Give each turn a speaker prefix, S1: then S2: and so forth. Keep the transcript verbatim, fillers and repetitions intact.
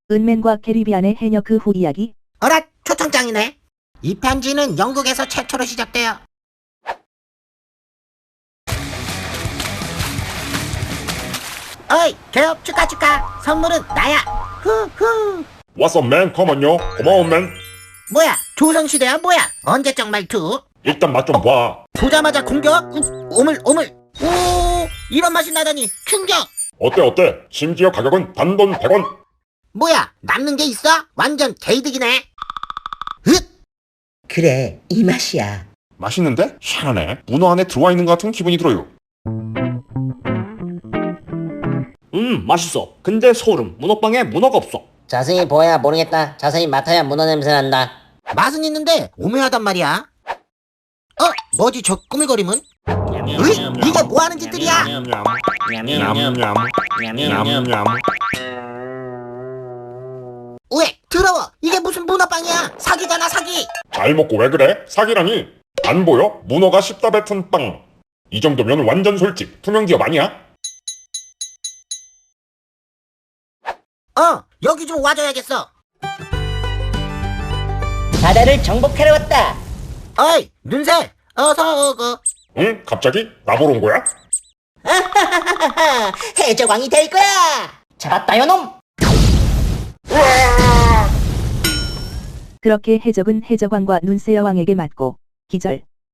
S1: 은맨과 캐리비안의 해녀 그 후 이야기.
S2: 어라, 초청장이네. 이 편지는 영국에서 최초로 시작돼요. 어이, 개업 축하 축하. 선물은 나야. 후후.
S3: What's up, man? 컴온요. 고마워, man.
S2: 뭐야, 조선시대야 뭐야? 언제적 말투?
S3: 일단 맛 좀 봐.
S2: 보자마자 공격? 우, 오물 오물. 오, 이런 맛이 나다니 충격.
S3: 어때, 어때? 심지어 가격은 단돈 백 원.
S2: 뭐야, 남는 게 있어? 완전 개이득이네. 흑.
S4: 그래, 이 맛이야.
S3: 맛있는데? 희한하네. 문어 안에 들어와 있는 것 같은 기분이 들어요.
S5: 음, 맛있어. 근데 소름. 문어빵에 문어가 없어.
S4: 자세히 보아야 모르겠다. 자세히 맡아야 문어 냄새 난다.
S2: 맛은 있는데 오묘하단 말이야. 어, 뭐지 저 꾸물거림은? 으이, 이게 뭐 하는 짓들이야?
S3: 냠냠. 냠냠.
S2: 왜? 더러워. 이게 무슨 문어빵이야? 사기잖아, 사기.
S3: 잘 먹고 왜 그래? 사기라니. 안 보여? 문어가 씹다 뱉은 빵. 이 정도면 완전 솔직. 투명 기업 아니야?
S2: 어, 여기 좀 와줘야겠어.
S4: 바다를 정복하러 왔다.
S2: 어이, 눈새, 어서 오고.
S3: 응? 갑자기? 나보러 온 거야?
S4: 해적왕이 될 거야. 잡았다 요놈.
S1: 그렇게 해적은 해적왕과 눈새 여왕에게 맞고 기절.